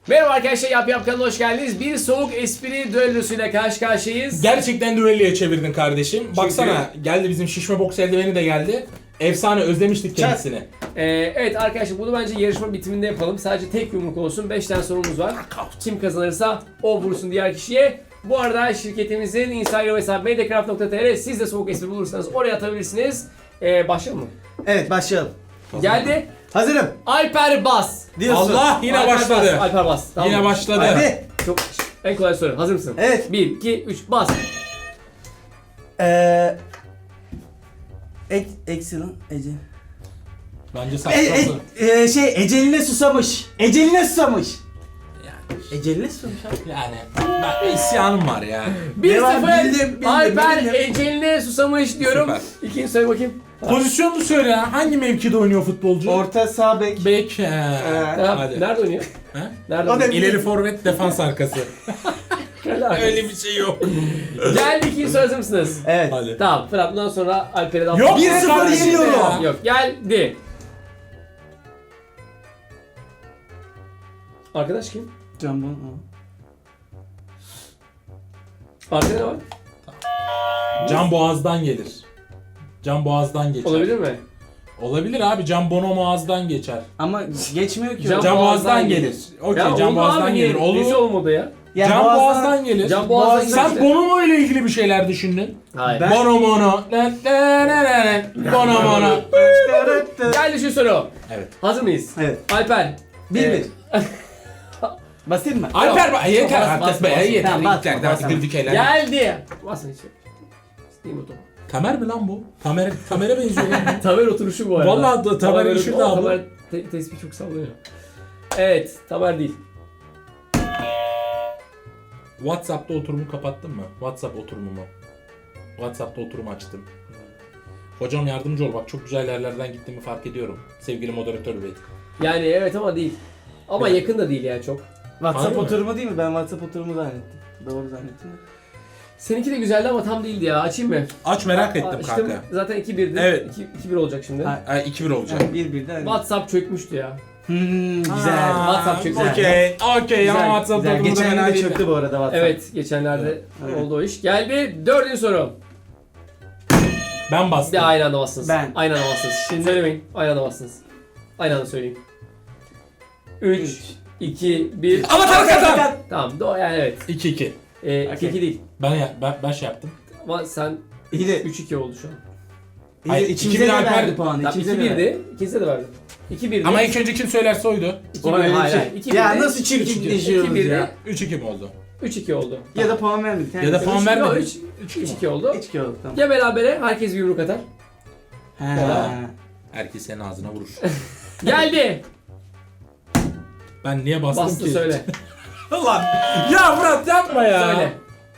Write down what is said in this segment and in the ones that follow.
Merhaba arkadaşlar, Yap kanalına hoş geldiniz. Bir soğuk espri düellosuyla karşı karşıyayız. Gerçekten düelloya çevirdin kardeşim. Baksana geldi bizim şişme boks eldiveni de geldi. Efsane, özlemiştik kendisini. Evet arkadaşlar, bunu bence yarışma bitiminde yapalım. Sadece tek yumruk olsun. 5 tane sorumuz var. Kim kazanırsa o vursun diğer kişiye. Bu arada şirketimizin Instagram hesabı mediacraft.tr. Siz de soğuk espri bulursanız oraya atabilirsiniz. Başlayalım mı? Evet, başlayalım. Geldi. Hazırım Alper Bas. diyorsun. Allah yine Alper başladı. Bas, Alper Bas. Tamam Yine mı? başladı. Hadi. Çok en kolay soru. Hazır mısın? Evet. 1, 2, 3 bas. Excellent. Ece. Bence saçmalama. Eceline susamış. Eceline susamış. Eceline susamış abi. Yani ben isyanım var ya. 1-0 bildim, Alper bildim. eceline susamış diyorum. Süper. İkinci söyle bakayım. Pozisyonunu söyle ya. Hangi mevkide oynuyor futbolcu? Orta sağ bek. Bek. Tamam, Hadi. nerede oynuyor? Ha? Nerede O da oynuyor? İleri forvet, defans arkası. Öyle bir şey yok. Geldi, ikinci soru, hazır mısınız? Evet. Hadi. Tamam Fırat, bundan sonra Alper'e de Yok 1-0 kardeşim yeniyorum. ya. Yok, geldi. Arkadaş kim? Jambon. Arkada ne var? Can boğazdan gelir. Can boğazdan geçer. Olabilir mi? Olabilir abi. Can bono boğazdan geçer. Ama geçmiyor ki. Can Can boğazdan boğazdan gelir. gelir. Okey, Ya can oldu boğazdan abi, gelir. nesi Olur. olmadı ya? Ya Can boğazdan gelir. Can boğazdan Sen gelir. Bono ile ilgili bir şeyler düşündün. Hayır. Ben- Bono mono. Bono mono. Geldi şu soru. Evet. Hazır mıyız? Evet. Alper. 1-1. Basayım mı? Alper bak yeter Bas, artık bas, be bas. yeter. Tamam, bas, Yeter bas, artık bas. girdik eğlen. Geldi. Basın hiç. İsteyim o topu. Tamer mi lan bu? Tamer'e benziyor lan. Tamer oturuşu bu arada. Vallahi da Tamer işi de abi. Tamer tespih çok sallıyor. Evet, Tamer değil. WhatsApp'ta oturumu kapattın mı? WhatsApp oturumumu. WhatsApp'ta oturum açtım. Hocam yardımcı ol bak çok güzel yerlerden gittiğimi fark ediyorum. Sevgili moderatör bey. Yani evet ama değil. Ama Evet. yakın da değil yani çok. WhatsApp Harbi mi? oturumu değil mi? Ben WhatsApp oturumu zannettim. Doğru zannettim. Seninki de güzeldi ama tam değildi ya. Açayım mı? Aç merak ettim Açtım. kanka. Zaten 2-1'di. Evet. 2-1 olacak şimdi. Ha. 2-1 olacak. Yani 1-1'de hani. WhatsApp çökmüştü ya. Güzel. WhatsApp çok güzel. Okey. Okey ama Güzel, WhatsApp Güzel. oturumu da Geçen fena gün de değil. çöktü bu arada WhatsApp. Evet, geçenlerde Evet. oldu o iş. Geldi dördüncü soru. Ben bastım. Bir aynı anda bassınız. Ben. Aynı anda bassınız. Şimdi söylemeyin. Aynı anda bassınız. Aynı anda söyleyin. 3, 2, 1. Ama kazan. Tamam, yani evet. 2-2. 2-2 değil. Ben şey yaptım. Ama sen İyi de 3-2 oldu şu an. Hayır, İkimize 2000 de Alper- verdi puanı. Tamam, İkimize de verdi. 2-1'di. İkinize de verdim. 2-1'di. Ama ilk önce kim söylerse oydu. 2-1. O öyle bir Hayır, şey. hayır. 2-1'di. Ya nasıl çirkinleşiyoruz 2-1'di. ya? 3-2 mi oldu? 3-2 oldu. Ya da puan vermedik. Ya da puan vermedik. 3-2 oldu. 3-2 oldu tamam. Ya berabere herkes bir yumruk atar. Ha. Herkes senin ağzına vurur. Geldi. Ben niye bastım Bastı ki? söyle. Lan ya Murat yapma ya. Söyle.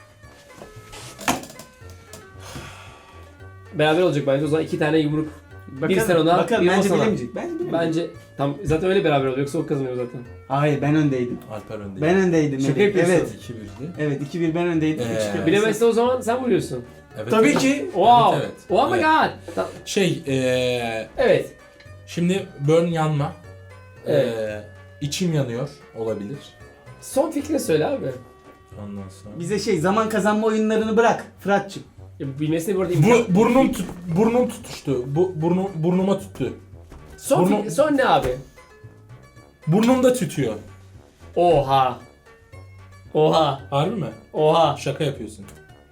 Beraber olacak bence o zaman 2 tane yumruk. Bakalım, sen ona, bakalım. bir o Bence sana. bilemeyecek. Bence bilemeyecek. Bence tam zaten öyle beraber oluyor yoksa o kazanıyor zaten. Hayır ben öndeydim. Alper önde. Ben öndeydim. Şaka Melih. yapıyorsun. Evet. 2-1'di. Evet 2-1 ben öndeydim. 3-2 Bilemezsen o zaman sen vuruyorsun. Evet. Tabii evet. ki. Wow. Evet, evet. Oh my Evet. god. Şey Evet. şimdi burn yanma. Evet. İçim yanıyor olabilir. Son fikrini söyle abi. Ondan sonra. Bize zaman kazanma oyunlarını bırak Fırat'cığım. Ya bilmesine bu arada imkan. Burnum tutuştu. Burnuma tuttu. Son ne abi? Burnumda tütüyor. Oha. Oha. Harbi mi? Oha. Şaka yapıyorsun.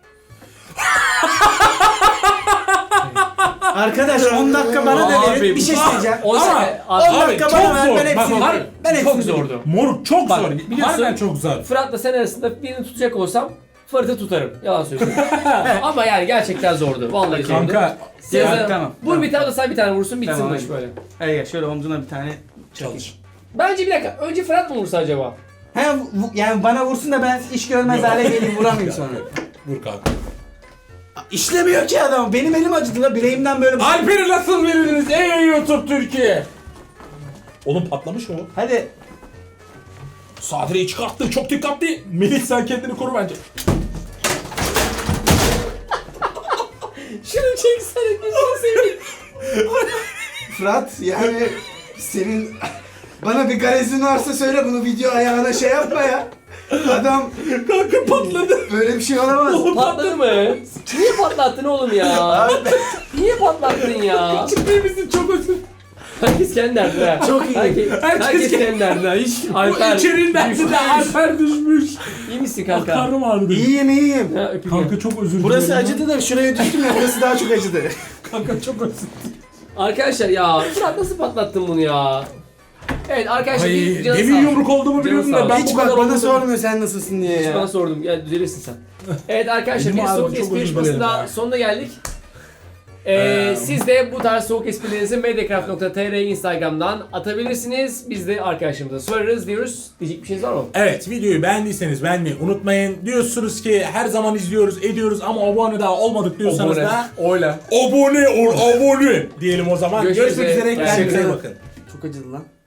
Arkadaş 10 dakika bana da Abi, verin. Bir şey bu- söyleyeceğim. O Ama- zaman 10 Abi, dakika çok bana ver zor. ben hepsini. Bak, Ben çok hepsini zordu. Moruk çok Bak, zor. biliyorsun- Harbiden çok zor. Fırat'la sen arasında birini tutacak olsam Fırat'ı tutarım. Yalan söylüyorum. Ama yani gerçekten zordu. Vallahi zordu. Kanka Sezen, tamam, Vur tamam. bir tane de sen bir tane vursun bitsin Tamam, bu iş hadi. böyle. Hayır gel şöyle omzuna bir tane çakayım. çalış. Bence bir dakika. Önce Fırat mı vursa acaba? Yani bana vursun da ben iş görmez hale geleyim vuramayayım sonra. Vur kanka. İşlemiyor ki adam. Benim elim acıdı la bileğimden böyle. Alper'i nasıl verirdiniz ey YouTube Türkiye? Oğlum patlamış mı o? Hadi. Sadre'yi çıkarttı çok dikkatli. Melih sen kendini koru bence. Şunu çeksene gözünü seveyim. Fırat yani senin Bana bir garezin varsa söyle, bunu video ayağına şey yapma ya. Adam Kanka patladı. böyle bir şey olamaz. Patladı mı? Niye patlattın oğlum ya? Niye patlattın ya? Ciddi misin? Çok özür. Herkes kendi derdine. ha. Çok iyi. Herkes kendi derdine. Hiç Alper. İçerinin dersi de Alper düşmüş. İyi misin kanka? Karnım ağrıdı. İyiyim. Ha, öpeyim ya. Kanka çok özür dilerim. Burası acıdı da şuraya düştüm ya, burası daha çok acıdı. Kanka çok özür Arkadaşlar ya Fırat nasıl patlattın bunu ya? Evet arkadaşlar bir canı Demin sağ yumruk olduğumu biliyordum Canı sağ da ben Hiç bu bak kadar bana olmadım. sormuyor sen nasılsın diye Hiç ya. bana sordum. Gel düzelirsin sen. Evet arkadaşlar Elim bir ağrıdı, soğuk çok espri özür yarışmasının dilerim daha ya. sonuna geldik. Siz de bu tarz soğuk esprilerinizi mediacraft.tr Instagram'dan atabilirsiniz. Biz de arkadaşlarımıza sorarız diyoruz. Diyecek bir şeyiniz var mı? Evet, videoyu beğendiyseniz beğenmeyi unutmayın. Diyorsunuz ki her zaman izliyoruz, ediyoruz ama abone daha olmadık diyorsanız Abone. da Oyla. abone diyelim o zaman. Görüşmek Görüşmek üzere. üzere. Kendinize iyi Teşekkür bakın. Çok acıdı lan.